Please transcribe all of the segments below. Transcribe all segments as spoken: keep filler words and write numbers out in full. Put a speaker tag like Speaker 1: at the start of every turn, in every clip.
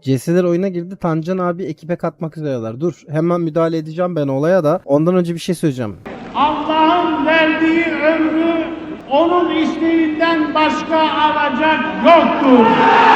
Speaker 1: C S'ler oyuna girdi. Tancan abi ekibe katmak üzereler. Dur hemen müdahale edeceğim ben olaya da. Ondan önce bir şey söyleyeceğim.
Speaker 2: Allah'ın verdiği ömrü onun isteğinden başka alacak yoktur.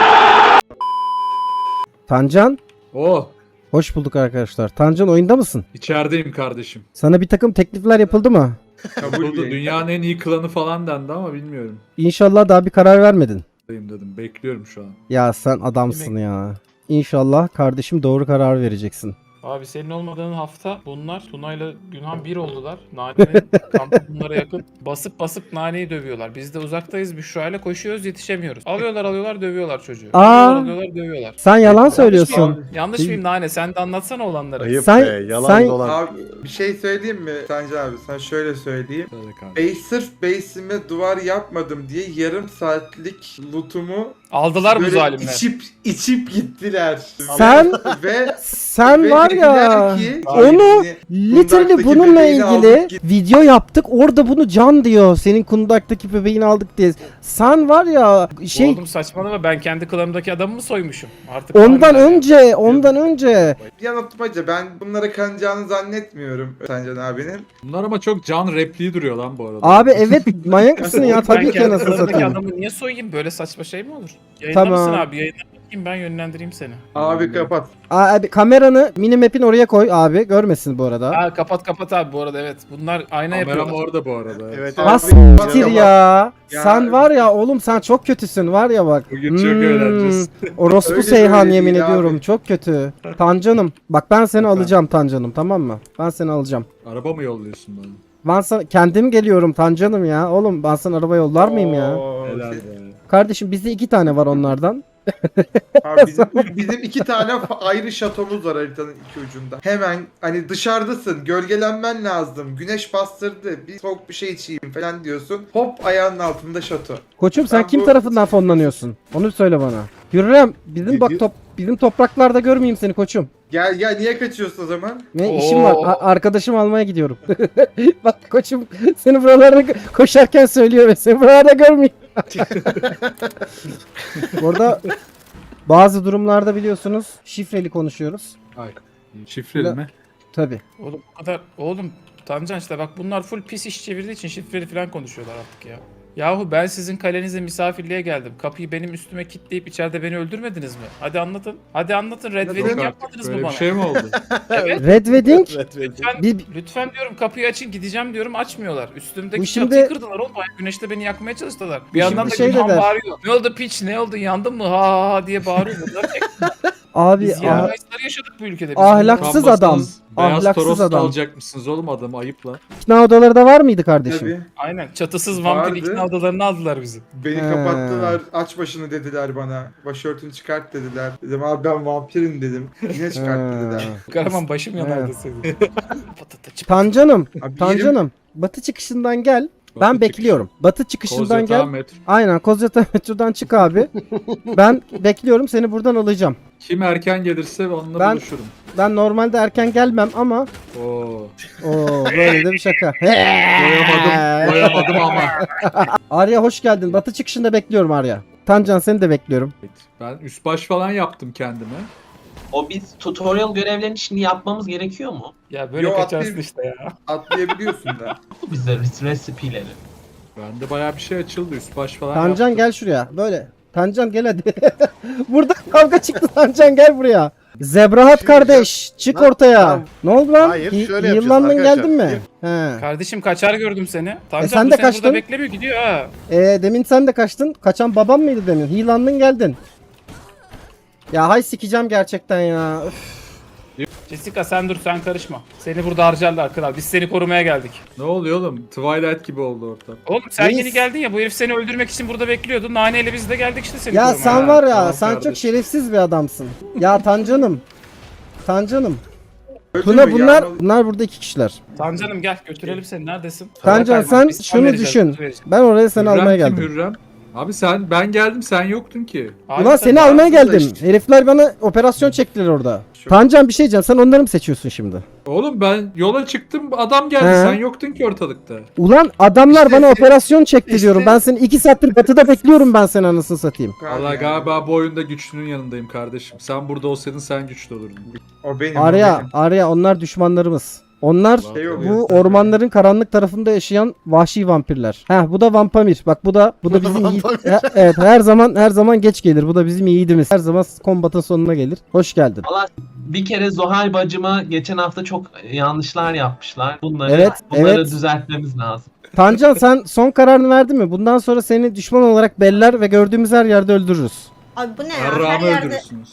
Speaker 1: Tancan.
Speaker 3: Oh,
Speaker 1: Hoş bulduk arkadaşlar. Tancan oyunda mısın?
Speaker 3: içerideyim kardeşim.
Speaker 1: Sana bir takım teklifler yapıldı mı?
Speaker 3: Kabul Dünyanın en iyi klanı falan dendi ama bilmiyorum.
Speaker 1: İnşallah daha bir karar vermedin.
Speaker 3: Dayım dedim. Bekliyorum şu an.
Speaker 1: Ya sen adamsın ya. İnşallah kardeşim doğru karar vereceksin.
Speaker 4: Abi senin olmadığın hafta bunlar Tuna'yla Günhan bir oldular. Nane'nin kampı bunlara yakın. Basıp basıp Nane'yi dövüyorlar. Biz de uzaktayız. Büşra'yla koşuyoruz, yetişemiyoruz. Alıyorlar alıyorlar dövüyorlar çocuğu.
Speaker 1: Aa!
Speaker 4: Alıyorlar alıyorlar dövüyorlar.
Speaker 1: Sen yalan
Speaker 4: Yanlış
Speaker 1: söylüyorsun.
Speaker 4: mıyım? Yanlış mıyım Nane? Sen de anlatsana olanları.
Speaker 5: Ayıp
Speaker 1: Sen-
Speaker 5: be, yalan
Speaker 1: sen-
Speaker 5: dolan.
Speaker 6: Abi bir şey söyleyeyim mi Sancar abi? Sana şöyle söyleyeyim.
Speaker 3: Söyle kardeşim.
Speaker 6: Bey sırf base'ime duvar yapmadım diye yarım saatlik lootumu
Speaker 4: Aldılar bu
Speaker 6: böyle
Speaker 4: zalimler.
Speaker 6: içip içip gittiler.
Speaker 1: Sen
Speaker 6: ve
Speaker 1: sen
Speaker 6: ve
Speaker 1: var ya
Speaker 6: dediler ki,
Speaker 1: onu
Speaker 6: hani
Speaker 1: literally
Speaker 6: kundaktaki
Speaker 1: bununla
Speaker 6: bebeğini
Speaker 1: ilgili
Speaker 6: aldık git-
Speaker 1: video yaptık. Orada bunu Can diyor. Senin kundaktaki bebeğini aldık diye. Sen var ya şey
Speaker 4: Oğlum saçmalama, ben kendi klanımdaki adamı mı soymuşum? Artık
Speaker 1: ondan
Speaker 4: harbiden ya.
Speaker 1: önce ondan önce
Speaker 6: yanıltmaca ben bunlara kanacağını zannetmiyorum Sancar abinin.
Speaker 3: Bunlar ama çok can repliği duruyor lan bu arada.
Speaker 1: abi evet manyak mısın ya
Speaker 4: Oğlum,
Speaker 1: tabii
Speaker 4: ben
Speaker 1: ki
Speaker 4: kendi
Speaker 1: anasını
Speaker 4: klanımdaki
Speaker 1: satayım.
Speaker 4: adamı niye soyayım? Böyle saçma şey mi olur? Yayında
Speaker 1: Tamam.
Speaker 4: mısın abi? Yayında bakayım, ben yönlendireyim seni.
Speaker 6: Abi kapat.
Speaker 1: Abi kameranı minimap'in oraya koy abi görmesin bu arada.
Speaker 4: Ha kapat kapat abi bu arada, evet. Bunlar ayna
Speaker 3: Kameram
Speaker 4: yapıyorlar.
Speaker 3: orada bu arada.
Speaker 5: Evet,
Speaker 6: Abi,
Speaker 1: Ha
Speaker 5: evet.
Speaker 1: siktir
Speaker 6: kapat.
Speaker 1: ya.
Speaker 6: Ya-
Speaker 1: Sen var ya oğlum sen çok kötüsün var ya bak.
Speaker 3: Bugün çok eğleneceğiz.
Speaker 1: Orospu
Speaker 6: Öyle
Speaker 1: Seyhan
Speaker 6: böyle
Speaker 1: yemin
Speaker 6: değil
Speaker 1: ediyorum
Speaker 6: abi.
Speaker 1: çok kötü. Tancanım bak ben seni
Speaker 3: Efendim?
Speaker 1: alacağım Tancanım tamam mı? Ben seni alacağım.
Speaker 3: Araba mı yolluyorsun bana?
Speaker 1: Ben sana kendim geliyorum Tancanım ya. Oğlum ben sana araba yollar mıyım ya?
Speaker 6: Oo,
Speaker 3: Helal
Speaker 6: siz-
Speaker 3: be.
Speaker 1: Kardeşim bizde iki tane var onlardan.
Speaker 6: Abi bizim, bizim iki tane fa- ayrı şatomuz var haritanın iki ucunda. Hemen hani dışarıdasın, gölgelenmen lazım, güneş bastırdı, bir soğuk bir şey içeyim falan diyorsun. Hop ayağının altında şato.
Speaker 1: Koçum sen
Speaker 6: Ben
Speaker 1: kim
Speaker 6: bu-
Speaker 1: tarafından fonlanıyorsun? Onu söyle bana. Hürrem bizim bak
Speaker 5: Video-
Speaker 1: top bizim topraklarda görmeyeyim seni koçum.
Speaker 6: Gel gel niye kaçıyorsun o zaman?
Speaker 1: Ne
Speaker 4: Oo.
Speaker 1: işim var? A- arkadaşım almaya gidiyorum. Bak koçum seni buralarda gö- koşarken söylüyor ve seni buralarda görmeyeyim. Burada bazı durumlarda biliyorsunuz şifreli konuşuyoruz.
Speaker 3: Ay. Şifreli mi?
Speaker 1: Tabi.
Speaker 4: Oğlum bu kadar, oğlum Tancan işte bak bunlar full pis iş çevirdiği için şifreli falan konuşuyorlar artık ya. Yahu ben sizin kalenize misafirliğe geldim. Kapıyı benim üstüme kilitleyip içeride beni öldürmediniz mi? Hadi anlatın. Hadi anlatın. Red
Speaker 6: Yok
Speaker 4: Wedding
Speaker 3: Yok
Speaker 4: yapmadınız
Speaker 3: artık
Speaker 4: mı
Speaker 3: böyle
Speaker 4: bana?
Speaker 3: bir şey mi oldu?
Speaker 4: Evet.
Speaker 1: Red Wedding
Speaker 5: Evet, evet.
Speaker 4: Lütfen,
Speaker 1: Bir-
Speaker 4: lütfen diyorum kapıyı açın, gideceğim diyorum, açmıyorlar. Üstümdeki
Speaker 1: Bu şimdi-
Speaker 4: çatıyı kırdılar oğlum. Bayağı güneşte beni yakmaya çalıştılar. Bir yandan
Speaker 1: şimdi
Speaker 4: da
Speaker 1: şey
Speaker 4: Günhan
Speaker 1: de der.
Speaker 4: bağırıyor. Ne oldu piç, ne oldu, yandın mı ha ha ha diye bağırıyor. Bunlar tek-
Speaker 1: abi
Speaker 4: Biz
Speaker 1: ah-
Speaker 4: yaramayızları yaşadık bu ülkede. Biz
Speaker 1: Ahlaksız
Speaker 4: bunları-
Speaker 1: adam.
Speaker 3: Beyaz
Speaker 1: Ahlaksız
Speaker 3: Toros da
Speaker 1: adam.
Speaker 3: alacakmışsınız oğlum adamı ayıp lan.
Speaker 1: ikna odaları da var mıydı kardeşim?
Speaker 6: Tabii.
Speaker 4: Aynen, çatısız vampir
Speaker 6: Vardı.
Speaker 4: ikna odalarını aldılar bizi.
Speaker 6: Beni
Speaker 1: He.
Speaker 6: kapattılar, aç başını dediler bana. Başörtünü çıkart dediler. Dedim abi ben vampirim dedim. Yine çıkart
Speaker 1: He.
Speaker 6: dediler.
Speaker 4: Karaman başım yanardı
Speaker 1: Evet.
Speaker 4: senin. Patata çıp-
Speaker 1: Tancanım,
Speaker 6: Abi
Speaker 1: Tancanım. Batı çıkışından gel. Ben
Speaker 3: Batı
Speaker 1: bekliyorum. Batı çıkışından
Speaker 3: Kozyatağı
Speaker 1: gel.
Speaker 3: metro.
Speaker 1: Aynen Kozyatağı metrodan çık abi. Ben bekliyorum seni buradan alacağım.
Speaker 3: Kim erken gelirse onunla
Speaker 1: Ben-
Speaker 3: buluşurum.
Speaker 1: Ben normalde erken gelmem ama
Speaker 3: Oo.
Speaker 1: o böyle de bir şaka.
Speaker 3: Doyamadım, doyamadım ama.
Speaker 1: Arya hoş geldin. Batı çıkışında bekliyorum Arya. Tancan seni de bekliyorum.
Speaker 3: Ben üst baş falan yaptım kendime.
Speaker 7: O biz tutorial görevlerini şimdi yapmamız gerekiyor mu?
Speaker 4: Ya böyle
Speaker 6: Yo,
Speaker 4: kaçarsın
Speaker 6: atlayayım.
Speaker 4: işte ya.
Speaker 6: Atlayabiliyorsun da.
Speaker 7: Bize resipileri.
Speaker 3: Bende bayağı bir şey açıldı üst baş falan
Speaker 1: Tancan
Speaker 3: yaptım.
Speaker 1: gel şuraya. Böyle. Tancan gel hadi. Burada kavga çıktı Tancan gel buraya. Zebrahat kardeş çık
Speaker 5: Lan,
Speaker 1: ortaya.
Speaker 5: tamam.
Speaker 1: Ne oldu lan?
Speaker 5: Hayır,
Speaker 1: Hi-
Speaker 5: şöyle yapacağız
Speaker 1: Yıllandın
Speaker 5: arkadaşlar.
Speaker 1: geldin mi? He.
Speaker 4: Kardeşim kaçar gördüm seni. Tancan
Speaker 1: sen
Speaker 4: bu
Speaker 1: de
Speaker 4: seni
Speaker 1: kaçtın.
Speaker 4: burada beklemiyor, gidiyor ha.
Speaker 1: Ee, demin sen de kaçtın. Kaçan babam mıydı demin? Hilandın geldin. Ya hay sikeceğim gerçekten ya. Üf.
Speaker 4: Jessica sen dur, sen karışma. Seni burada harcarlar kral. Biz seni korumaya geldik.
Speaker 3: Ne oluyor oğlum? Twilight gibi oldu ortam.
Speaker 4: Oğlum sen
Speaker 1: Reis.
Speaker 4: yeni geldin ya, bu herif seni öldürmek için burada bekliyordu. Naneyle biz de geldik işte seni
Speaker 1: Ya
Speaker 4: korumaya.
Speaker 1: sen var ya
Speaker 3: tamam
Speaker 1: sen
Speaker 3: kardeşim.
Speaker 1: çok şerefsiz bir adamsın. Ya Tancanım. Tancanım.
Speaker 6: Öldü
Speaker 1: Tuna
Speaker 6: mü?
Speaker 1: bunlar
Speaker 6: Yağmalı-
Speaker 1: bunlar burada iki kişiler.
Speaker 4: Tancanım gel götürelim seni, neredesin?
Speaker 1: Tancan
Speaker 4: Kaymak,
Speaker 1: sen
Speaker 4: biz kan
Speaker 1: şunu
Speaker 4: vereceğiz,
Speaker 1: düşün.
Speaker 4: biz vereceğiz.
Speaker 1: Ben oraya seni
Speaker 3: Hürrem
Speaker 1: almaya
Speaker 3: kim
Speaker 1: geldim.
Speaker 3: Hürrem? Abi sen ben geldim sen yoktun ki.
Speaker 4: Abi
Speaker 1: Ulan
Speaker 4: sen
Speaker 1: seni almaya
Speaker 6: bağımsız da
Speaker 1: geldim.
Speaker 6: işte.
Speaker 1: Herifler bana operasyon çektiler orada.
Speaker 6: Şu-
Speaker 1: Tancan bir şey diyeceğim. Sen onları mı seçiyorsun şimdi?
Speaker 3: Oğlum ben yola çıktım adam geldi
Speaker 1: He.
Speaker 3: sen yoktun ki ortalıkta.
Speaker 1: Ulan adamlar
Speaker 6: İşte
Speaker 1: bana
Speaker 6: se-
Speaker 1: operasyon çekti
Speaker 6: işte-
Speaker 1: diyorum. Ben seni iki saattir batıda bekliyorum ben seni anasını satayım.
Speaker 3: Valla galiba bu oyunda güçlünün yanındayım kardeşim. Sen burada olsaydın sen güçlü olurdun.
Speaker 6: O benim. o
Speaker 1: Arya,
Speaker 6: benim.
Speaker 1: Arya onlar düşmanlarımız. Onlar
Speaker 6: Şey oluyor
Speaker 1: bu
Speaker 6: zaten.
Speaker 1: ormanların karanlık tarafında yaşayan vahşi vampirler. Heh bu da vampamir. Bak bu da bu da bizim iyi. E- evet her zaman her zaman geç gelir. Bu da bizim yiğidimiz. Her zaman kombatın sonuna gelir. Hoş geldin.
Speaker 7: Valla bir kere Zuhal bacıma geçen hafta çok yanlışlar yapmışlar. Bunları,
Speaker 1: Evet,
Speaker 7: bunları
Speaker 1: evet.
Speaker 7: düzeltmemiz lazım.
Speaker 1: Tancan sen son kararını verdin mi? Bundan sonra seni düşman olarak beller ve gördüğümüz her yerde öldürürüz.
Speaker 5: Abi bu ne ya? Her
Speaker 3: Arrağımı
Speaker 5: yerde
Speaker 3: öldürürsünüz.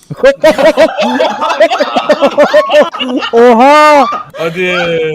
Speaker 1: Oha!
Speaker 4: Hadi.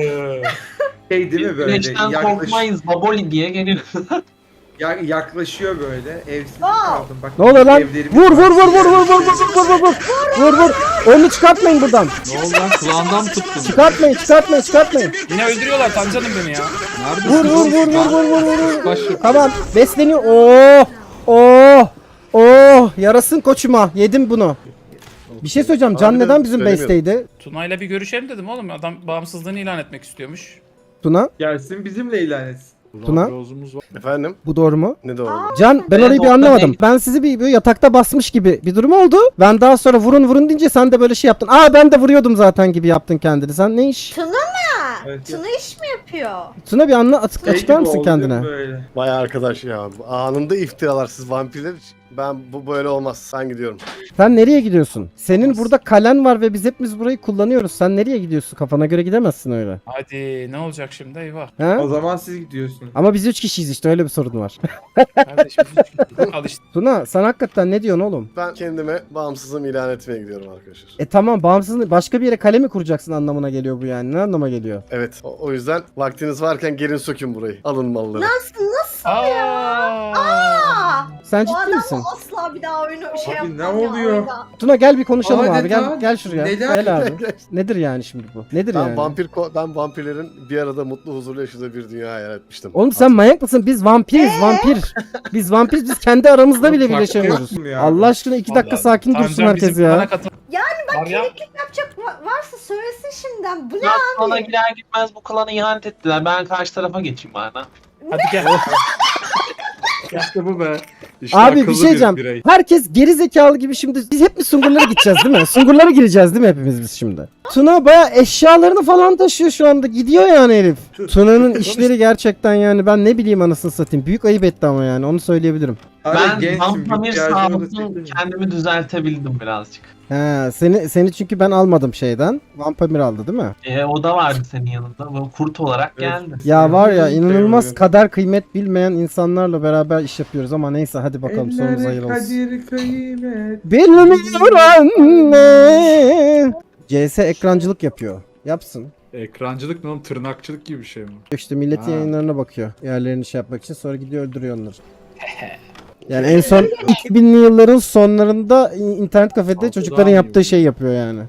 Speaker 6: Şey değil mi böyle?
Speaker 7: Güneşten
Speaker 6: Yaklaş,
Speaker 7: korkmayız baboli diye geliyor.
Speaker 6: ya- yaklaşıyor böyle. Evsiz
Speaker 5: Aa!
Speaker 6: kaldım. Bak,
Speaker 1: Ne oluyor lan?
Speaker 6: evlerimiz
Speaker 1: Vur
Speaker 6: var.
Speaker 1: vur vur vur vur vur vur vur vur vur. Vur vur. Onu çıkartmayın buradan.
Speaker 3: Ne oldu lan kulağından mı tuttun?
Speaker 1: Çıkartmayın, çıkartmayın, çıkartmayın.
Speaker 4: Yine öldürüyorlar Tancan'ım beni ya.
Speaker 1: Vur vur vur vur vur vur vur.
Speaker 3: Baş
Speaker 1: Tamam, besleniyor. Oo! Oo! Oo! Yarasın koçuma. Yedim bunu. Bir şey söyleyeceğim. Can
Speaker 8: Harbiden
Speaker 1: neden bizim
Speaker 8: söylemiyorum.
Speaker 1: base'teydi?
Speaker 4: Tuna'yla bir görüşelim dedim oğlum. Adam bağımsızlığını ilan etmek istiyormuş.
Speaker 1: Tuna,
Speaker 6: Gelsin bizimle ilan etsin.
Speaker 1: Tuna?
Speaker 3: Rozumuz var.
Speaker 8: Efendim?
Speaker 1: bu doğru mu?
Speaker 8: Ne doğru?
Speaker 1: Can, ben
Speaker 7: Evet,
Speaker 1: orayı bir
Speaker 7: orada
Speaker 1: anlamadım.
Speaker 7: değil.
Speaker 1: Ben sizi bir böyle yatakta basmış gibi bir durum oldu. Ben daha sonra vurun vurun deyince sen de böyle şey yaptın. Aa ben de vuruyordum zaten gibi yaptın kendini. Sen ne iş?
Speaker 5: Tuna mı?
Speaker 6: Evet,
Speaker 5: Tuna iş mi yapıyor?
Speaker 1: Tuna bir anla açık,
Speaker 6: Şey
Speaker 1: açıklar
Speaker 6: gibi
Speaker 1: mısın
Speaker 6: oldu
Speaker 1: kendine?
Speaker 6: Böyle.
Speaker 8: Vay arkadaş ya. Anında iftiralar siz vampirler. Ben bu böyle olmaz. Ben gidiyorum.
Speaker 1: Sen nereye gidiyorsun? Senin burada kalen var ve biz hepimiz burayı kullanıyoruz. Sen nereye gidiyorsun? Kafana göre gidemezsin öyle.
Speaker 4: Hadi ne olacak şimdi eyvah.
Speaker 1: He?
Speaker 6: O zaman siz gidiyorsunuz.
Speaker 1: Ama biz üç kişiyiz işte öyle bir sorun var.
Speaker 4: Kardeşim al işte.
Speaker 1: Tuna sen hakikaten ne diyorsun oğlum?
Speaker 8: Ben kendime bağımsızlığımı ilan etmeye gidiyorum arkadaşlar.
Speaker 1: E tamam bağımsız başka bir yere kale mi kuracaksın anlamına geliyor bu yani. Ne anlama geliyor?
Speaker 8: Evet. O, o yüzden vaktiniz varken gelin sökün burayı. Alın malları.
Speaker 5: Nasıl nasıl?
Speaker 4: Aa.
Speaker 5: Aa!
Speaker 1: Sen
Speaker 5: Bu
Speaker 1: ciddi
Speaker 5: adamla
Speaker 1: misin?
Speaker 5: asla bir daha oyunu şey
Speaker 6: Abi
Speaker 5: yapmam
Speaker 6: ne
Speaker 5: ya
Speaker 6: oluyor?
Speaker 5: oyunda.
Speaker 1: Tuna gel bir konuşalım
Speaker 6: Adeta
Speaker 1: abi. Gel gel şuraya.
Speaker 6: neler-
Speaker 1: Gel abi. Nedir yani şimdi bu? Nedir
Speaker 8: Ben
Speaker 1: yani?
Speaker 8: vampir ko- ben vampirlerin bir arada mutlu huzurlu yaşadığı bir dünya hayal etmiştim.
Speaker 1: Oğlum sen manyak mısın? Biz vampiriz, vampir. Biz vampiriz, biz kendi aramızda bile
Speaker 6: Farklı
Speaker 1: birleşemiyoruz.
Speaker 6: yok mu ya?
Speaker 1: Allah aşkına iki dakika
Speaker 4: Vallahi
Speaker 1: sakin
Speaker 4: Tancan
Speaker 1: dursun herkes
Speaker 4: bizim
Speaker 1: ya.
Speaker 4: klana katıl-
Speaker 5: Yani bak
Speaker 4: Var ya.
Speaker 5: kemiklik yapacak va- varsa söylesin şimdiden. Bu ne
Speaker 7: Ya klana
Speaker 5: abi?
Speaker 7: girer gitmez bu klana ihanet ettiler. Ben karşı tarafa geçeyim bana.
Speaker 4: Hadi gel.
Speaker 3: İşte bu be. İşte
Speaker 1: Abi bir
Speaker 3: akıllı
Speaker 1: şey diyeceğim.
Speaker 3: birey.
Speaker 1: Herkes geri zekalı gibi şimdi. Biz hep mi Sungurlara gideceğiz değil mi? Sungurlara gireceğiz değil mi hepimiz biz şimdi? Tuna baya eşyalarını falan taşıyor şu anda. Gidiyor yani herif. Tuna'nın işleri gerçekten yani ben ne bileyim anasını satayım. Büyük ayıp etti ama yani onu söyleyebilirim.
Speaker 6: Abi
Speaker 7: Ben
Speaker 6: gençsin,
Speaker 7: vampamir
Speaker 6: ihtiyacın olursa
Speaker 7: sağlıklı
Speaker 6: çekin.
Speaker 7: kendimi düzeltebildim birazcık.
Speaker 1: He, seni seni çünkü ben almadım şeyden. Vampamir aldı değil mi?
Speaker 7: E, o da vardı senin yanında. Böyle kurt olarak
Speaker 6: Evet.
Speaker 7: geldi.
Speaker 1: Ya var ya
Speaker 6: Şey
Speaker 1: inanılmaz
Speaker 6: oluyor.
Speaker 1: kader kıymet bilmeyen insanlarla beraber iş yapıyoruz ama neyse hadi bakalım sonumuz
Speaker 6: Elleri
Speaker 1: hayır olsun.
Speaker 6: kadir kıymet.
Speaker 1: Bilmiyor anne. C S ekrancılık yapıyor. Yapsın.
Speaker 3: Ekrancılık ne oğlum tırnakçılık gibi bir şey mi?
Speaker 1: İşte milletin
Speaker 3: Ha.
Speaker 1: yayınlarına bakıyor. Yerlerini şey yapmak için sonra gidiyor öldürüyor onları. Yani en son iki binli yılların sonlarında internet kafede
Speaker 3: Altıdan
Speaker 1: çocukların
Speaker 3: mı
Speaker 1: yaptığı
Speaker 3: yiyor?
Speaker 1: şeyi yapıyor yani.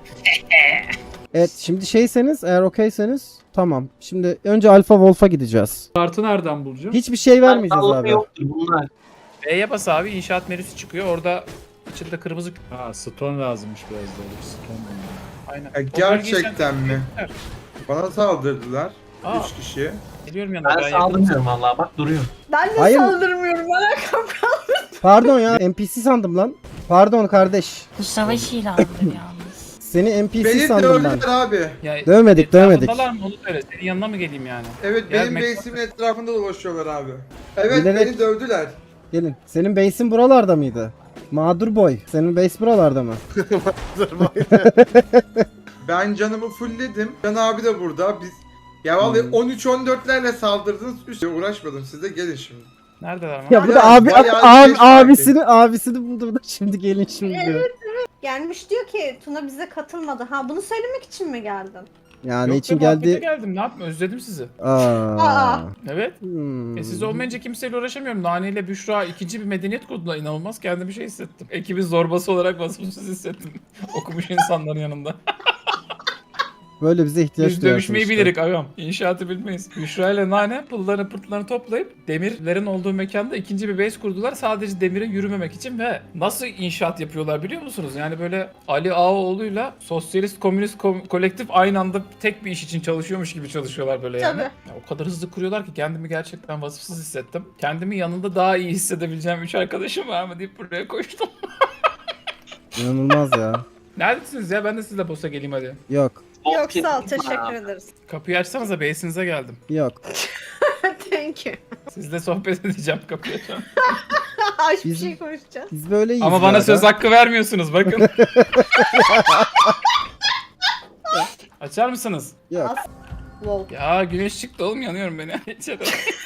Speaker 1: Evet şimdi şeyseniz eğer okeyseniz tamam. Şimdi önce Alpha Wolf'a gideceğiz.
Speaker 3: Kartı nereden bulacağım?
Speaker 1: Hiçbir şey vermeyeceğiz
Speaker 7: Sağlıklı
Speaker 1: abi.
Speaker 7: yoktur bunlar.
Speaker 4: B'ye bas abi inşaat menüsü çıkıyor. Orada içinde kırmızı
Speaker 3: Ha stone lazımmış biraz da. Stone bunlar.
Speaker 4: aynen.
Speaker 6: Ya
Speaker 4: O bölgeyi sen-
Speaker 6: gerçekten mi? Bana saldırdılar.
Speaker 4: Aa.
Speaker 6: Üç kişi.
Speaker 4: Geliyorum yanına.
Speaker 7: Ben
Speaker 4: Ben yakınım.
Speaker 7: saldırmıyorum valla bak duruyor.
Speaker 5: Ben de
Speaker 1: Hayır.
Speaker 5: saldırmıyorum. Alakam kalmadı.
Speaker 1: Pardon ya N P C sandım lan. Pardon kardeş.
Speaker 9: Bu savaş ilanıdır yalnız.
Speaker 1: Seni N P C
Speaker 6: Beni
Speaker 1: sandım ben.
Speaker 6: dövdüler abi.
Speaker 4: Ya,
Speaker 1: Dövmedik, dövmedik.
Speaker 4: etrafındalar mı onu söyle. Senin yanına mı geleyim yani?
Speaker 6: Evet
Speaker 4: Ya,
Speaker 6: benim
Speaker 4: Mek-
Speaker 6: base'imin etrafında dolaşıyorlar abi. Evet
Speaker 1: Bilerek-
Speaker 6: beni dövdüler.
Speaker 1: Gelin. Senin base'in buralarda mıydı? Mağdur boy. Senin base buralarda mı?
Speaker 6: Ben canımı fullledim. Can abi de burada. Biz ya vallahi
Speaker 1: Hmm.
Speaker 6: on üç on dörtlerle saldırdınız. Üstüne uğraşmadım. Siz de gelin şimdi.
Speaker 4: Neredeler lan?
Speaker 1: Ya bu da
Speaker 6: Ya,
Speaker 1: abi,
Speaker 6: bayağı
Speaker 1: abi
Speaker 6: geç fark
Speaker 1: abisini abisini buldu bu da şimdi gelin şimdi diyor.
Speaker 5: Gelmiş diyor ki Tuna bize katılmadı. Ha bunu söylemek için mi geldin?
Speaker 1: Ya ne
Speaker 4: Yok
Speaker 1: için
Speaker 4: be, muhabbete
Speaker 1: geldi?
Speaker 4: geldim. Ne yapayım? Özledim sizi.
Speaker 1: Aa.
Speaker 5: Aa.
Speaker 4: Evet.
Speaker 1: Hmm.
Speaker 4: E siz olmayınca kimseyle uğraşamıyorum. Nane ile Büşra ikinci bir medeniyet kurdular. İnanılmaz kendimi şey hissettim. Ekibin zorbası olarak vasıfsız hissettim. Okumuş insanların yanında.
Speaker 1: Böyle bize ihtiyaç
Speaker 4: Biz
Speaker 1: duyarsın
Speaker 4: dövüşmeyi
Speaker 1: işte.
Speaker 4: bilirik agam. İnşaatı bilmeyiz. Büşra ile Nane pıllarını pırtlarını toplayıp demirlerin olduğu mekanda ikinci bir base kurdular. Sadece demire yürümemek için ve nasıl inşaat yapıyorlar biliyor musunuz? Yani böyle Ali Ağaoğlu'yla sosyalist komünist ko- kolektif aynı anda tek bir iş için çalışıyormuş gibi çalışıyorlar böyle yani.
Speaker 5: Tabii.
Speaker 4: Ya o kadar hızlı kuruyorlar ki kendimi gerçekten vasıfsız hissettim. Kendimi yanında daha iyi hissedebileceğim üç arkadaşım var mı deyip buraya koştum.
Speaker 1: İnanılmaz ya.
Speaker 4: Neredesiniz ya? Ben de sizle boss'a geleyim hadi.
Speaker 1: Yok.
Speaker 5: Yok sağ ol teşekkür ederiz.
Speaker 4: Kapıyı açsanıza base'inize geldim.
Speaker 1: Yok.
Speaker 5: Thank you.
Speaker 4: Sizle sohbet edeceğim kapıyı açan.
Speaker 5: Aç bir
Speaker 1: Bizim-
Speaker 5: şey konuşacağız.
Speaker 1: Biz böyleyiz.
Speaker 4: Ama bana
Speaker 1: ya
Speaker 4: söz
Speaker 1: da.
Speaker 4: hakkı vermiyorsunuz bakın. Açar mısınız?
Speaker 1: Yok.
Speaker 5: Wow.
Speaker 4: Ya güneş çıktı oğlum yanıyorum beni. İçeri.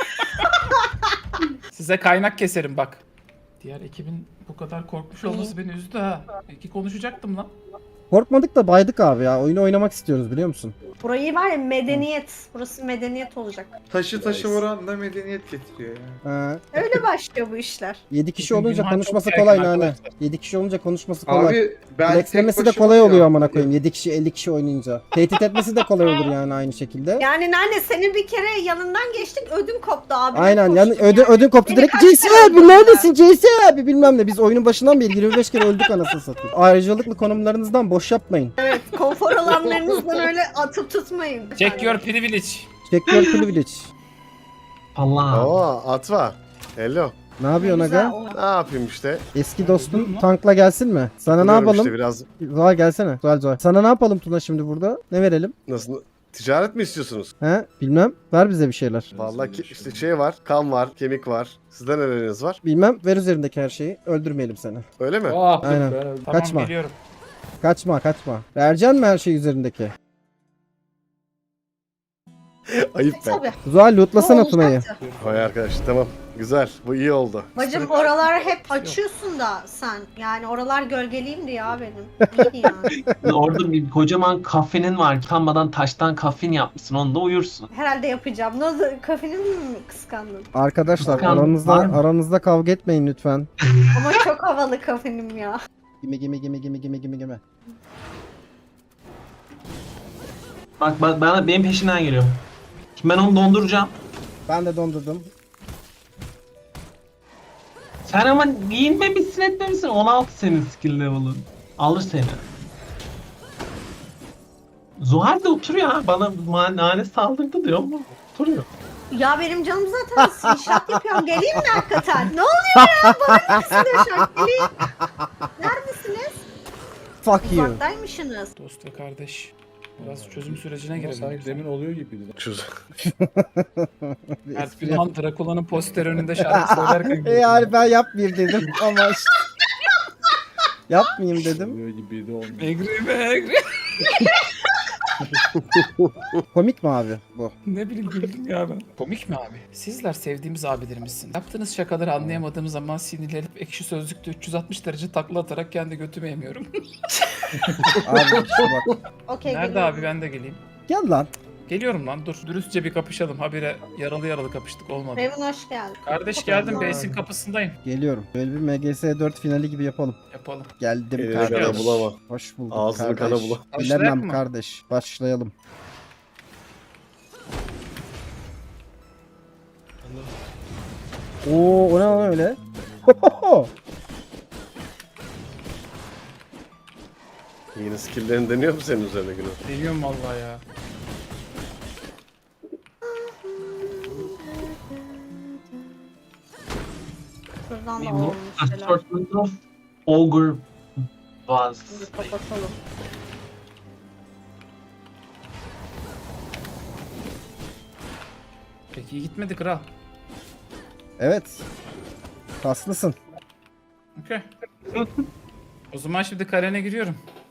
Speaker 4: Size kaynak keserim bak. Diğer ekibin bu kadar korkmuş olması beni üzdü ha. İki konuşacaktım lan.
Speaker 1: Korkmadık da baydık abi ya. Oyunu oynamak istiyoruz biliyor musun?
Speaker 5: Burayı var ya medeniyet. Burası medeniyet olacak.
Speaker 6: Taşı taşı oranla medeniyet getiriyor ya.
Speaker 1: Ha.
Speaker 5: Öyle başlıyor bu işler.
Speaker 1: yedi kişi
Speaker 4: Bugün
Speaker 1: olunca
Speaker 4: Günhan
Speaker 1: konuşması
Speaker 4: çok
Speaker 1: kolay
Speaker 4: gergin
Speaker 1: Nane.
Speaker 4: arkadaşlar.
Speaker 1: yedi kişi olunca konuşması kolay.
Speaker 6: Abi ben
Speaker 1: Flexlemesi
Speaker 6: tek
Speaker 1: de
Speaker 6: başıma
Speaker 1: kolay oluyor
Speaker 6: ya.
Speaker 1: amına koyayım. yedi kişi elli kişi oynayınca. Tehdit etmesi de kolay olur yani aynı şekilde.
Speaker 5: Yani Nane senin bir kere yanından geçtik ödüm koptu abi.
Speaker 1: Aynen
Speaker 5: Koştum
Speaker 1: yani ödün,
Speaker 5: yani.
Speaker 1: ödün koptu
Speaker 5: Beni
Speaker 1: direkt.
Speaker 5: kaç
Speaker 1: C S
Speaker 5: kere
Speaker 1: abi
Speaker 5: öldürdüler?
Speaker 1: neredesin C S abi bilmem ne. Biz oyunun başından beri yirmi beş kere öldük anasını satayım. Ayrıcalıklı konumlarınızdan boş yapmayın.
Speaker 5: Evet konfor alanlarınızdan öyle atıp tutmayın.
Speaker 4: Check your privilege.
Speaker 1: Check your privilege.
Speaker 7: Allah.
Speaker 8: Oo Atva. Hello.
Speaker 1: Ne yapıyorsun
Speaker 5: Güzel,
Speaker 1: aga?
Speaker 5: o-
Speaker 8: Ne yapayım işte?
Speaker 1: Eski dostun tankla gelsin mi? Sana ne
Speaker 8: Biliyorum
Speaker 1: yapalım?
Speaker 8: işte biraz
Speaker 1: Zuhal gelsene. Zuhal Zuhal. Sana ne yapalım Tuna şimdi burada? Ne verelim?
Speaker 8: nasıl ticaret mi istiyorsunuz?
Speaker 1: He? Bilmem. Ver bize bir şeyler.
Speaker 8: Vallahi ki, işte şey var, kan var, kemik var. Sizde neleriniz var?
Speaker 1: Bilmem. Ver üzerindeki her şeyi. Öldürmeyelim seni.
Speaker 8: Öyle mi?
Speaker 4: Oh,
Speaker 1: Aynen.
Speaker 4: Tamam
Speaker 1: Kaçma.
Speaker 4: geliyorum.
Speaker 1: Kaçma kaçma. Vereceksin mi her şey üzerindeki?
Speaker 8: Ayıp be.
Speaker 5: Tabii.
Speaker 1: Zuhal lootlasana
Speaker 5: Bu
Speaker 1: Tuna'yı.
Speaker 5: olacaktı.
Speaker 8: Vay arkadaş tamam. Güzel. Bu iyi oldu.
Speaker 5: Bacım oraları hep açıyorsun da sen. Yani oralar gölgeliyim diye ya benim. İyi yani.
Speaker 7: Orada bir kocaman kafenin var. Utanmadan taştan kafin yapmışsın. Onunla uyursun.
Speaker 5: Herhalde yapacağım. Ne oldu? Kafenin mi kıskandın?
Speaker 1: Arkadaşlar
Speaker 7: Bakalım,
Speaker 1: aranızda
Speaker 7: var mı?
Speaker 1: aranızda kavga etmeyin lütfen.
Speaker 5: Ama çok havalı kafenim ya.
Speaker 1: Gime gime gime gime gime gime gime.
Speaker 7: Bak bak bana benim peşinden geliyor. Şimdi ben onu donduracağım.
Speaker 1: Ben de dondurdum.
Speaker 7: Sen ama giyinmemişsin etmemişsin. on altı senin skill level'ın. Alır seni. Zuhal de oturuyor ha. Bana ma- nane saldırdı diyor ama oturuyor.
Speaker 5: Ya benim canım zaten inşaat yapıyorum. Geleyim mi hakikaten? Ne oluyor ya? Bana ne kısılıyor şu an? Geleyim. Neredesiniz?
Speaker 1: Fuck you.
Speaker 5: Uzaktaymışsınız.
Speaker 4: Dost ve kardeş. Biraz çözüm sürecine
Speaker 3: Ama
Speaker 4: girelim.
Speaker 3: sanki demin oluyor gibiydi.
Speaker 8: Şu
Speaker 4: Mert Günhan Drakula'nın poster önünde şarkı söylerken
Speaker 1: E yani ben yapmayayım dedim ama işte. Yapmayayım dedim.
Speaker 3: Oluyor gibiydi olmuyor.
Speaker 4: Megri megri.
Speaker 1: Komik mi abi bu?
Speaker 4: Ne bileyim güldüm ya ben. Komik mi abi? Sizler sevdiğimiz abilerimizsiniz. Yaptığınız şakaları anlayamadığım zaman sinirlenip ekşi sözlükte üç yüz altmış derece takla atarak kendi götümü yemiyorum.
Speaker 1: Abi işte bak.
Speaker 5: Okey
Speaker 4: Nerede
Speaker 5: geliyorum.
Speaker 4: abi ben de geleyim.
Speaker 1: Gel lan.
Speaker 4: Geliyorum lan dur. Dürüstçe bir kapışalım. Habire yaralı yaralı kapıştık olmadı.
Speaker 5: Raven hoş geldin.
Speaker 4: Kardeş geldim base'in kapısındayım.
Speaker 1: Geliyorum. Böyle bir M G S dört finali gibi yapalım.
Speaker 4: Yapalım.
Speaker 1: Geldim
Speaker 8: Elini
Speaker 1: kardeş.
Speaker 8: kana bulama.
Speaker 1: Hoş bulduk
Speaker 8: Ağzını
Speaker 1: kardeş.
Speaker 8: kana bula.
Speaker 4: Başlayak
Speaker 1: Bilemem
Speaker 4: mı?
Speaker 1: kardeş. Başlayalım. Oo, o ne lan öyle?
Speaker 8: Yeni skill'lerini deniyor mu senin üzerine Güney?
Speaker 4: Deniyorum vallahi ya.
Speaker 5: Şuradan da
Speaker 7: Bir
Speaker 5: alalım bir şeyler.
Speaker 7: Assortment of Ogre Buzz.
Speaker 5: Hadi kapatalım.
Speaker 4: Peki iyi gitmedi kral.
Speaker 1: Evet. Kaslısın.
Speaker 4: Okey. O zaman şimdi kalene giriyorum.